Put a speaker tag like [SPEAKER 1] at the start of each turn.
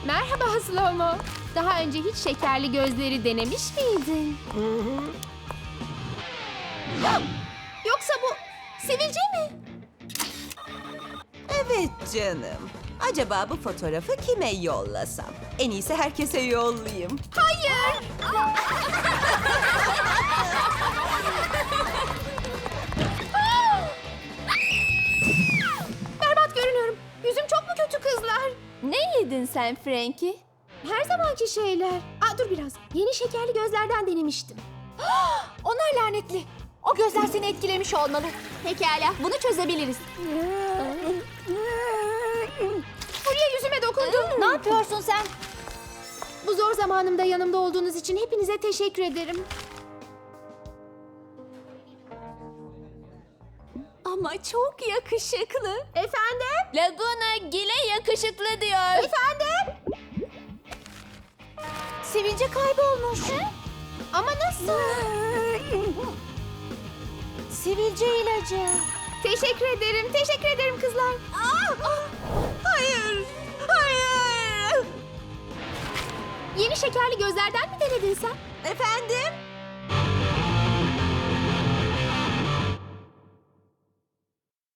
[SPEAKER 1] Merhaba Slomo. Daha önce hiç şekerli gözleri denemiş miydin? Yoksa bu sivilce mi?
[SPEAKER 2] Evet canım. Acaba bu fotoğrafı kime yollasam? En iyisi herkese yollayayım.
[SPEAKER 1] Hayır. Berbat görünüyorum. Yüzüm çok mu kötü kızlar?
[SPEAKER 3] Ne yedin sen Frankie?
[SPEAKER 1] Her zamanki şeyler. Dur biraz. Yeni şekerli gözlerden denemiştim.
[SPEAKER 3] Onlar lanetli. O gözler seni etkilemiş olmalı. Pekala, bunu çözebiliriz.
[SPEAKER 1] Fulya yüzüme dokundu.
[SPEAKER 3] Ne yapıyorsun sen?
[SPEAKER 1] Bu zor zamanımda yanımda olduğunuz için hepinize teşekkür ederim.
[SPEAKER 3] Ama çok yakışıklı.
[SPEAKER 1] Efendim?
[SPEAKER 3] Laguna Gile yakışıklı diyor.
[SPEAKER 1] Efendim?
[SPEAKER 3] Sivilce kaybolmuş.
[SPEAKER 1] Ama nasıl?
[SPEAKER 3] Sivilce ilacı.
[SPEAKER 1] Teşekkür ederim. Teşekkür ederim kızlar.
[SPEAKER 2] Hayır! Hayır!
[SPEAKER 1] Yeni şekerli gözlerden mi denedin sen?
[SPEAKER 2] Efendim?